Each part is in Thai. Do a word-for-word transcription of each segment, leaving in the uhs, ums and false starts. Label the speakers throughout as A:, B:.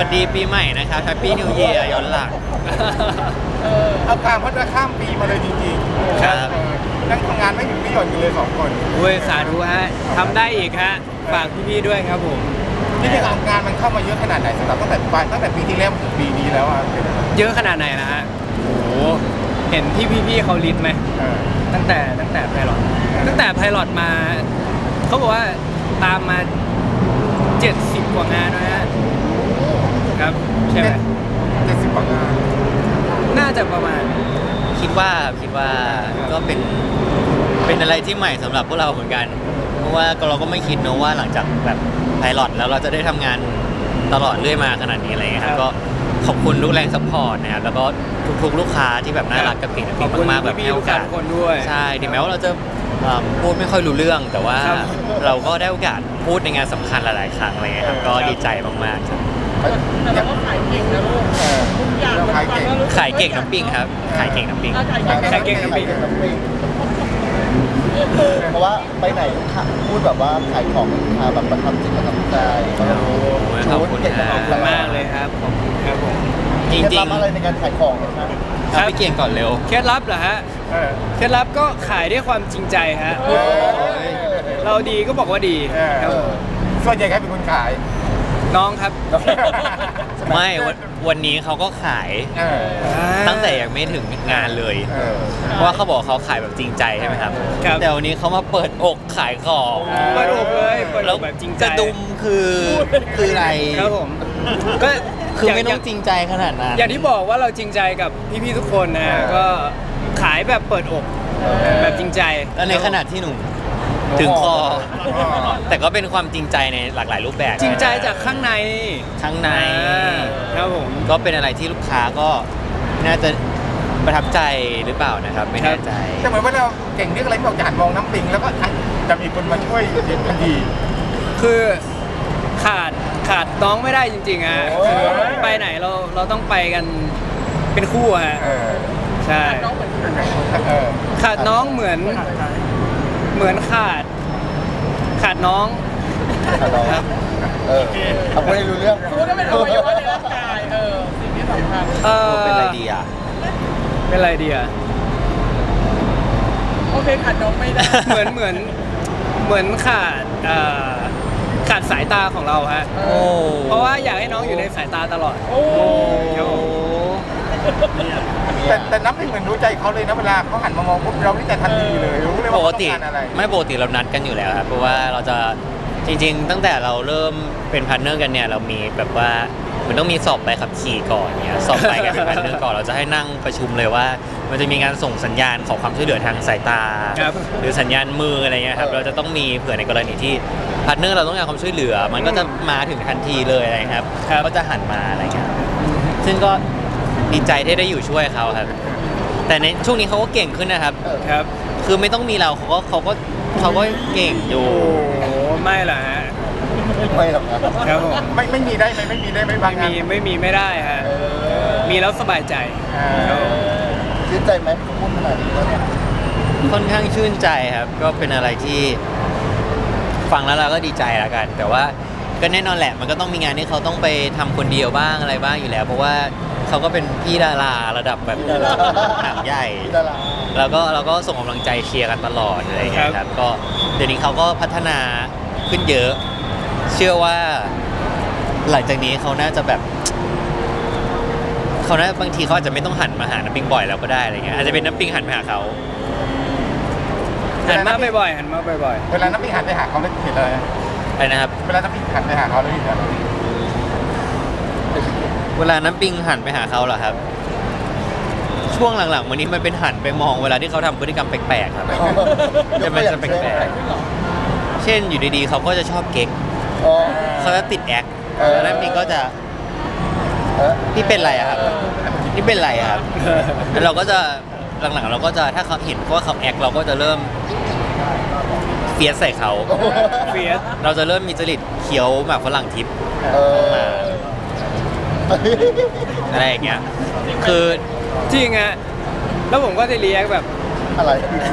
A: สดีปีใหม่นะครับแฮปปี้นิวเยียร์ย้อนหลัง
B: เอาการพัฒนาข้ามปีมาเลยจริงๆ
A: ครับ
B: นั่งทำงานไม่ถึงไม่หย่อนกันเลยสองคน
C: โอ้ยสาธุฮะทำได้อีกฮะฝากพี่ๆด้วยครับผม
B: ที่จริงงานมันเข้ามาเยอะขนาดไหนสำหรับตั้งแต่ปลายตั้งแต่ปีที่แล้วถึงปีนี้แล้วอ่ะเป็นยังไง
C: เยอะขนาดไหนนะฮะโอ้โหเห็นที่พี่ๆเขาลิสต์ไหม
B: เออ
C: ตั้งแต่ตั้งแต่ไพลอตตั้งแต่ไพลอตมาเขาบอกว่าตามมาเจ็ดสิบกว่างานนะฮะครับใช่ไหม
B: เจ็ดสิบกว่างาน
C: น่าจะประมาณ
A: คิดว่าคิดว่าก็เป็นเป็นอะไรที่ใหม่สำหรับพวกเราเหมือนกัน เพราะว่าเราก็ไม่คิดเนอะว่าหลังจากแบบไพลอตแล้วเราจะได้ทำงานตลอดเรื่อยมาขนาดนี้อะไรเงี้ยครับก็ขอบคุณทุกแรงซัพพอร์ตนะครับแล้วก็ทุกๆลูกค้าที่แบบน่ารักกับปิ่น
C: ขอบคุณ
A: มากๆแบบ
C: พี่
A: ให้
C: ๆ
A: โอ
C: ทุกท่าก
A: าส
C: นคนด้วย
A: ใช่ถึงแม้ว่าเราจะเอ่อพูดไม่ค่อยรู้เรื่อง แต่ว่า
C: ครับ
A: เราก็ได้โอกาสพูดในงานสำคัญหลาย ๆ ครั้งอะไรเงี้ยครับก็ดีใจมากๆครับ
D: แต่เราก็ขายเก่งนะลูก
B: เออ
D: ทุกอย่าง
B: เรา
D: มัน
B: ขาย
D: ฟัง
B: เก่ง
D: แล้วรู้สึก
A: ขายเก่งน้ำปิ้งครับขายเก่งน้ำปิ้ง
D: ถ้าขายเก่ง
C: ขายเก่งน้ำปิ้ง
E: เพราะว่าไปไหนลูกค้าพูดแบบว่าขายของลูกค้าแบบประทับจิตประทับใจ
A: โอ้โหขอบคุณ
E: เก่ง
A: นะ
C: ขอบคุณมากเลยครับขอบคุณครับผม
A: จ
E: เคล็ด
A: ริ
E: ลั
A: ง
E: บอะไรในการขายของนะครับ
A: ๆเอาพี่เก่งก่อนเร็ว
C: เคล็ดลับเหรอฮะ
B: เออ
C: เคล็ดลับก็ขายด้วยความจริงใจฮะ
B: เออ
C: เราดีก็บอกว่าดี
B: เออ
C: ครับผม
B: ส่วนใหญ่ใครเป็นคนขาย
C: น้องครับ
A: ไม่วันวันนี้เขาก็ขาย
B: เออ
A: ตั้งแต่ยังไม่ถึงงานเลย
B: เออ
A: เพราะว่าเขาบอกเขาขายแบบจริงใจใช่ไหมครับ
C: ครับ
A: แต่วันนี้เขามาเปิดอกขายของ
C: เปิดอกเลยเปิด
A: แล้
C: อ
A: ว
C: กแบบจริงใจ
A: กระดุมคือคืออะไร
C: ครับผมก็
A: คือไม่
C: ย่า
A: ต้องจริงใจขนาดนั้น
C: อย่างที่บอกว่าเราจริงใจกับพี่ๆทุกคนนะฮะ
B: เออ
C: ก็ขายแบบเปิดอกแบบจริงใจ
A: แล้วในขณะที่หนูถึงคอ แต่ก็เป็นความจริงใจในหลากหลายรูปแบบ
C: จริงใจจากข้างใน
A: ข้างใน
C: อ่าครับผม
A: ก็เป็นอะไรที่ลูกค้าก็น่าจะประทับใจหรือเปล่านะครับ ไม่แน่ใจ
B: แต่เหมือนว่าเราเก่งเรื่องอะไรที่บอกจะหันมองน้ำปิงแล้วก็จะมีคนมาช่วยทันที
C: คือขาดขาดน้องไม่ได้จริงๆฮะ
B: โอ้ย
C: คือไปไหนเราเราต้องไปกันเป็นคู่ฮะ
B: เออ
C: ใช่
D: น้องเหมือนกัน
B: เออ
C: ขาดน้องเหมือนเหมือนขาด ขาดน้อง
E: ครับเออเอาไปรู้เรื่อง
D: รู้ว่าเป็นอวัยวะในร่างกายเออสิ่งที่สำคัญ
C: เออ
A: เป็นอะไรดีอ่ะ
C: เป็นไรดีอ่ะ
D: โอเคขาดน้องไม่ได้
C: เหมือนเหมือนเหมือนขาดเอ่อขาดสายตาของเราฮะ
A: โอ้
C: เพราะว่าอยากให้น้องอยู่ในสายตาตลอด
D: โอ้
C: ครับผม
B: แต่แต่น้ำปิงเหมือนรู้ใจเขาเลยนะเวลาเขาหันมามองปุ๊บเรานี่จะทันทีเลยรู้เลย
A: ป
B: ว่าเขาต้อ
A: กติ
B: งการอะไร
A: ไม่ปกติเรานัดกันอยู่แล้วครับเพราะว่าเราจะจริง ๆ ตั้งแต่เราเริ่มเป็นพาร์ทเนอร์กันเนี่ยเรามีแบบว่ามันต้องมีสอบใบขับขี่ก่อนเนี่ยสอบใบกันเป็นพาร์ทเนอร์ก่อนเราจะให้นั่งประชุมเลยว่า มันจะมีการส่งสัญญาณขอความช่วยเหลือทางสายตา
C: ครับ
A: หรือสัญญาณมืออะไรเงี้ยครับเราจะต้องมีเผื่อในกรณีที่พาร์ทเนอร์เราต้องการความช่วยเหลือ มันก็จะมาถึงทันทีเลยอะไรครับ
C: ครับ
A: ก็จะหันมาอะไรเงี้ยซึ่งก็ดีใจที่ได้อยู่ช่วยเขาครับ แต่ในช่วงนี้เขาก็เก่งขึ้นนะครับ
C: ครับ
A: คือไม่ต้องมีเราเขาก็เขาก็เขาก็เก่งอยู่
C: โอ้โหไม่ล่ะฮะ
E: ไม่หรอกนะครับ
C: ผม
B: ไม่ไม่มีได้ไหมไม่มีได้ไหมบาง
C: ไม่
B: งาน
C: มีไม่มีไม่ได้ฮะมีแล้วสบายใจ
B: เออ
E: ชื่นใจไหมพูดขนาดนี้แล้วเนี่ย
A: ค่อนข้างชื่นใจครับ ก็เป็นอะไรที่ฟังแล้วเราก็ดีใจแล้วกัน แต่ว่าก็แน่นอนแหละ มันก็ต้องมีงานที่เขาต้องไปทำคนเดียวบ้างอะไรบ้างอยู่แล้ว เพราะว่าเขาก็เป็นพี่ดาราระดับแบบหนังใหญ่
E: พี่ดารา
A: แล้วก็เราก็ส่งกำลังใจเชียร์กันตลอดอะไรอย่างเงี้ยครับก็เดี๋ยวนี้เขาก็พัฒนาขึ้นเยอะ เชื่อว่าหลังจากนี้เขาน่าจะแบบเขาน่าบางทีเขาอาจจะไม่ต้องหันมาหาน้ำปิงบ่อยแล้วก็ได้อะไรเงี้ยอาจจะเป็นน้ำปิงหันไปหาเขา
C: หันมาบ่อยๆหันมาบ่อย
B: เวลาน้ำปิงหันไปหาเขาแล้วเห็นเลย
A: อะไรนะครับ
B: เวลาน้ำปิงหันไปหาเขาแล้วเห็นอะไร
A: เวลาน้ำปิงหันไปหาเขาเหรอครับ ช่วงหลังๆวันนี้มันเป็นหันไปมองเวลาที่เขาทำพฤติกรรมแปลกๆครับ จะเป็นจะแปลกๆเช่นอยู่ดีๆเขาก็จะชอบเก๊ก
E: อ๋อ
A: เขาจะติดแอค
E: เออ
A: แล้วน้ำปิงก็จะ
E: เออ
A: นี่เป็นไรอะครับนี่เป็นไรอะครับแล้วเราก็จะหลังๆเราก็จะถ้าเขาเห็นว่าเขาแอคเราก็จะเริ่มเฟียสใส่เขา
C: ๆเฟียส
A: เราจะเริ่มมีจริตเคี้ยวหมากฝรั่งทิพย์
E: เออ
A: มาอะไรอย่างเงี้ยคือ
C: จริงฮะแล้วผมก็จะเรียกแบบ
E: อะไร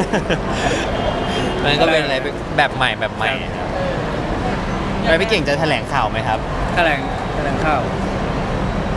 A: มันก็เป็นอะไรแบบใหม่แบบใหม่ครับแล้วพี่เก่งจะแถลงข่าวไหมครับ
C: แถลงแถลงข่าว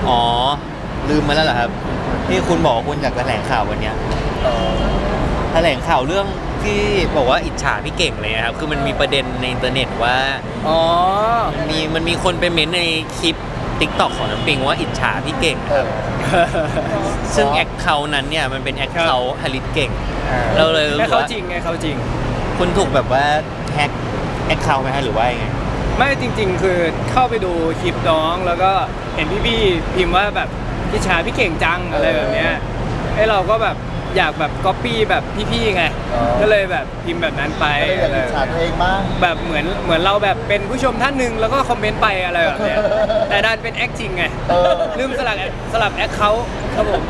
A: อ๋อลืมมาแล้วเหรอครับที่คุณบอกว่าคุณอยากแถลงข่าววันเนี้ย
E: เออ
A: แถลงข่าวเรื่องที่บอกว่าอิจฉาพี่เก่งเลยนะครับคือมันมีประเด็นในอินเทอร์เน็ตว่า
C: อ๋อ
A: มีมันมีคนไปเม้นต์ในคลิป ติ๊กต็อกของน้ำปิงว่าอิจฉาพี่เก่ง
E: เอ
A: ครับ
E: อ
A: ซึ่งแอคเคาท์นั้นเนี่ยมันเป็นแอคเคาท์ฮาริสเก่ง เราเลยรู้
C: แค่
A: สึก
C: เขา
A: ว่า
C: จริงไงเขาจริง
A: คุณถูกแบบว่าแฮกแอคเคาท์ไหมฮะหรือว่ายังไง
C: ไม่จริง ๆ คือเข้าไปดูคลิปน้องแล้วก็เห็นพี่ๆพิมพ์ว่าแบบพี่ชาพี่เก่งจังอะไรแบบเนี้ยไอ้เราก็แบบอยากแบบก๊อปปี้แบบพี่ๆไง
E: อ๋อ
C: ก็เลยแบบพิมพ์แบบนั้นไป
E: ก็เลยอยากอิจฉาตัวเองบ้าง
C: แบบเหมือนเหมือนเราแบบเป็นผู้ชมท่านหนึ่งแล้วก็คอมเมนต์ไปอะไรแบบเนี้ยแต่ดันเป็นแอคจริงไง
E: เออ
C: ลืมสลับสลับแอคเขาครับผม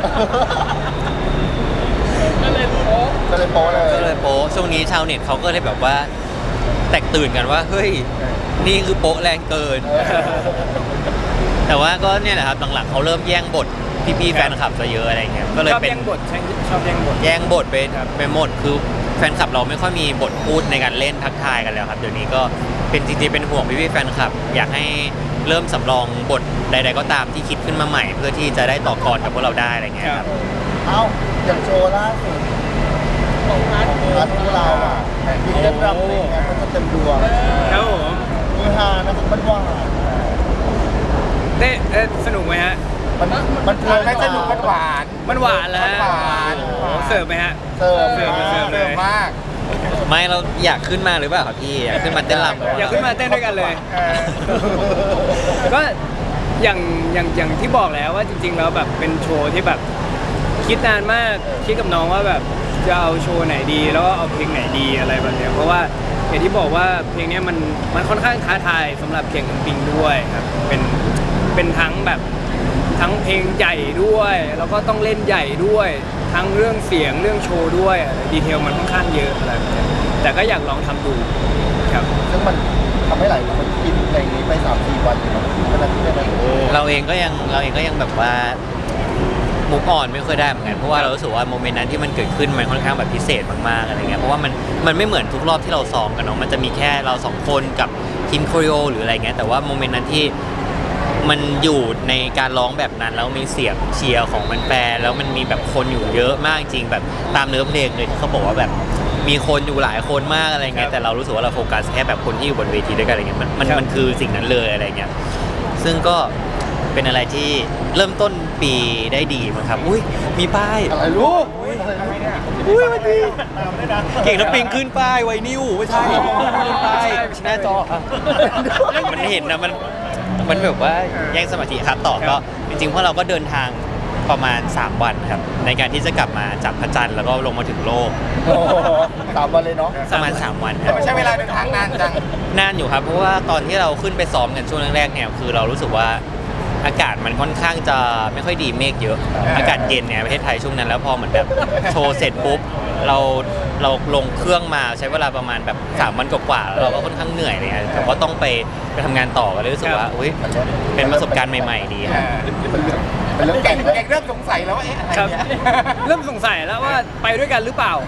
D: ก็เลยโป๊ะ
E: ก็เลยโป๊เลย
A: ก็เลยโป๊ะช่วงนี้ชาวเน็ตเขาก็เลยแบบว่า แตกตื่นกันว่าเฮ้ยนี่คือโป๊ะแรงเกิน
E: เออ
A: แต่ว่าก็เนี่ยแหละครับหลังๆเขาเริ่มแย่งบทพี่ๆแฟนคลับซะเยอะอะไรเงี้ยก็เลย
C: ชอบ
A: เป็น
C: แย่งบทใช่ชอบแย่งบท
A: แย่งบทไปไปหมดคือแฟนคลับเราไม่ค่อยมีบทพูดในการเล่นทักทายกันแล้วครับเดี๋ยวนี้ก็เป็นจริงๆเป็นห่วงพี่ๆแฟนคลับ อยากให้เริ่มสำรองบทใด ๆ ก็ตามที่คิดขึ้นมาใหม่ เพื่อที่จะได้ต่อกรกับพวกเราได้อะไรเงี้ยครับ
E: เอ้าอย่างโชว์ล่าสุด
D: ของพาร์ท
E: ของรัฐของเราอ่ะมีเรื่องรำเพลงไงมันก็เต็มดวง
C: ครับผม
E: มือฮานะมันหวาน
C: เต้เอ๊ะสนุกไหมฮะ
E: มันมันเพลิ
B: มัน
E: น
B: ไม่สนุกมันหวาน
C: มันหวานแล้วฮะ
B: มันหวาน
C: โอ้โหเสิร์ฟไหมฮะ
E: เสิร์ฟ
C: เสิร์ฟมาเสิร์ฟ
B: เสิร์ฟมาก
A: ไม่เราอยากขึ้นมาหรือเปล่าครับพี่อยากขึ้นมาเต้นรำกับ
C: อยากขึ้นมาเต้นด้วยกันเลย
B: เออ
C: ก็อย่างอย่างอย่างที่บอกแล้วว่าจริงๆแล้วแบบเป็นโชว์ที่แบบคิดนานมากคิดกับน้องว่าแบบจะเอาโชว์ไหนดี แล้วก็เอาเพลงไหนดีอะไรแบบเนี้ยเพราะว่าอย่างที่บอกว่าเพลงเนี้ยมันมันค่อนข้างท้าทายสำหรับเก่งกับปิงด้วยครับเป็นเป็นทั้งแบบทั้งเพลงใหญ่ด้วย แล้วก็ต้องเล่นใหญ่ด้วย ทั้งเรื่องเสียงเรื่องโชว์ด้วยดีเทลมันค่อนข้างเยอะอะไรแบบเนี้ยแต่ก็อยากลองทำดูครับ
E: ซึ่งมันทำให้หลายคนกินเพลงนี้ไปสามสี่วันอยู่นะขนาดที่ได้ไหม
A: เราเองก็ยังเราเองก็ยังแบบว่ามุกอ่อนไม่ค่อยได้เหมือนกันเพราะว่าเรารู้สึกว่าโมเมนต์นั้นที่มันเกิดขึ้นมันค่อนข้างแบบพิเศษมากๆอะไรเงี้ยเพราะว่ามันมันไม่เหมือนทุกรอบที่เราซ้อมกันเนาะมันจะมีแค่เราสองคนกับทีมโคริโอหรืออะไรเงี้ยแต่ว่าโมเมนต์นั้นที่มันอยู่ในการร้องแบบนั้นแล้วมีเสียงเชียร์ของมันแปรแล้วมันมีแบบคนอยู่เยอะมากจริงแบบตามเนื้อเพลงเลยที่เขาบอกว่าแบบมีคนอยู่หลายคนมากอะไรเงี้ยแต่เรารู้สึกว่าเราโฟกัสแค่แบบคนที่อยู่บนเวทีด้วยกันอะไรเงี้ยมันมันมันคือสิ่งนั้นเลยอะไรเงี้ยซึ่งก็เป็นอะไรที่เริ่มต้นปีได้ดีมั้งครับอุ้ยมีป้าย
E: อะไรลูก
A: อุ้ยมันดีเก่งน้ำปิงขึ้นป้ายไวนิวไม่ใช่ขึ้นป้ายหน้าจอครับมันเห็นนะมันมันแบบว่าแย่งสมาธิครับต่อก็จริงๆพวกเราก็เดินทางประมาณสามวันครับในการที่จะกลับมาจากพระจันทร์แล้วก็ลงมาถึงโลก
E: โอ้โหสามวันเลยเนาะ
A: ประมาณสามวันค
B: แต่
A: รับ
B: ไม่ใช่เวลาเดินทางนานจัง
A: นานอยู่ครับเพราะว่าตอนที่เราขึ้นไปซ้อมกันช่วงแรกๆเนี่ยคือเรารู้สึกว่าอากาศมันค่อนข้างจะไม่ค่อยดีเมฆเยอะ อากาศเย็นเนี่ยประเทศไทยช่วงนั้นแล้วพอเหมือนแบบโชว์เสร็จปุ๊บเราเราลงเครื่องมาใช้เวลาประมาณแบบสามวันกว่าๆแล้วเราก็ค่อนข้างเหนื่อยเลยแต่ว่าต้องไปไปทำงานต่อก็เลยรู้สึกว่าอุ้ยเป็นประสบการณ์ใหม่ๆดีครับ
E: เป็นเรื่อง
B: แก่
E: แต่
B: ง
E: ง
B: แก่งเริ่มสงสัยแล้วว่าเอ๊ะอะไร
C: ครับ
B: เนี่ย
C: เริ่มสงสัยแล้วว่าไปด้วยกันหรือเปล่า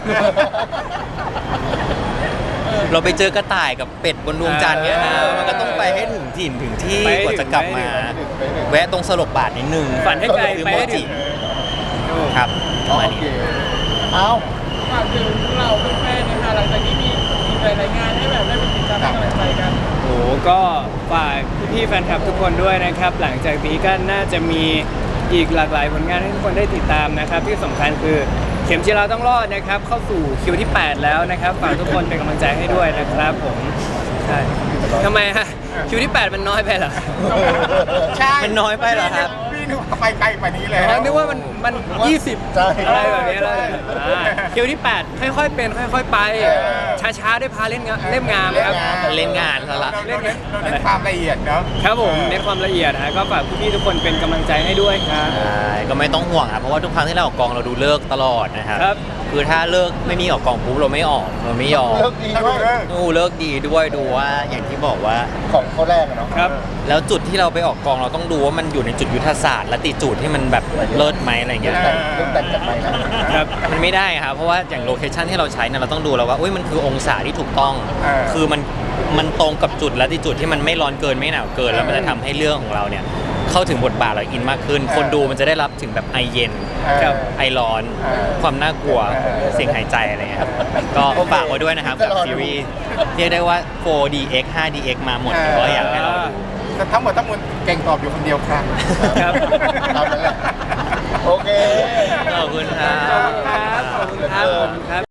A: เราไปเจอกระต่ายกับเป็ดบนดวงจันทร์เนี่ยนะมันก็ต้องไปให้ถึงถิ่นถึงที่
C: ไปให้ถึง
A: กว่าจะกลับมา แวะตรงสลบบาทนิดนึง
C: ฝันให้ไกล
A: ซื้อ
C: ไป
A: โม
C: ให้ถึ
A: จิ
C: ง
A: ครับประมาณ
E: โอเค
A: นี้
E: เอ้า
D: ฝากถึงเราแฟนๆนะคะหลังจากนี้มีมีหลายๆงานให้แบบได้ไปติดตามให้กำลังใจกัน
C: โอ้โหก็ฝากพี่ๆแฟนคลับทุกคนด้วยนะครับ หลังจากนี้ก็น่าจะมีอีกหลากหลายผลงานให้ทุกคนได้ติดตามนะครับ ที่สำคัญคือเข็มจีราต้องรอดนะครับ เข้าสู่คิวที่แปดแล้วนะครับฝากทุกคนเป็นกำลังใจให้ด้วยนะครับผมใช่ทำไมฮะคิวที่แปดมันน้อยไปเหรอ
B: ใช่
A: มันน้อยไปเหรอครับ
B: พี่นึกว่าไปไกลกว่านี้เลย
C: อ๋อนึกว่ามันมันยี่สิบ
E: ใช่
C: อะไรแบบนี้เลยอ่าคิวที่แปดค่อยๆเป็นค่อยๆไป ช้าๆได้พาเล่นงานเล่มงามครับ
A: เล่นงานซะละ
B: เราเน้นเราเน้นความละเอียดเนาะ
C: ครับผมเน้นความละเอียดฮะก็ฝากพี่ๆทุกคนเป็นกำลังใจให้ด้วยครับ
A: ใช่ก็ไม่ต้องห่วงครับเพราะว่าทุกครั้งที่เราออกกองเราดูเลิกษ์ตลอดนะครับ
C: ครับ
A: คือถ้าเลิกไม่มีออกกองปุ๊บเราไม่ออกเราไม่ยอม
E: เลิกดีด้วย
A: ดูเลิกดีด้วยดูว่าอย่างที่บอกว่า
E: ของเขาแรกอะเนาะ
C: ครับ
A: แล้วจุดที่เราไปออกกองเราต้องดูว่ามันอยู่ในจุดยุทธศาสตร์และติจูดที่มันแบบเลิศไหมอะไรเงี้ย
E: แต่งเรื่องแต่งกันไปนะครับ
A: มันไม่ได้ครับเพราะว่าอย่างโลเคชันที่เราใช้เนี่ยเราต้องดูแล้วว่าอุ้ยมันคือองศาที่ถูกต้อง
B: เออ
A: คือมันมันตรงกับจุดและติจูดที่มันไม่ร้อนเกินไม่หนาวเกินแล้วมันจะทำให้เรื่องของเราเนี่ยเข้าถึงบทบาทแล้วอินมากขึ้น คนดูมันจะได้รับถึงแบบไอเย็น
C: ครับ
A: ไอร้อน
B: เออ
A: ความน่ากลัว
B: เออ
A: เสียงหายใจอะไรเงี้ยครับก็ฝากไว้ด้วยนะครับกับซีรีส์เรียกได้ว่า โฟร์ ดี เอ็กซ์ ไฟว์ ดี เอ็กซ์ มาหมดก็อยากให้เราดู
B: แต่ทั้งหมดทั้งมวลเก่งตอบอยู่คนเดียวครับ
C: ครับ
E: ตามนั้นแหละโอเค
A: ขอบคุณครับ
C: ขอบคุณครับขอบคุณครับขอบคุณครับ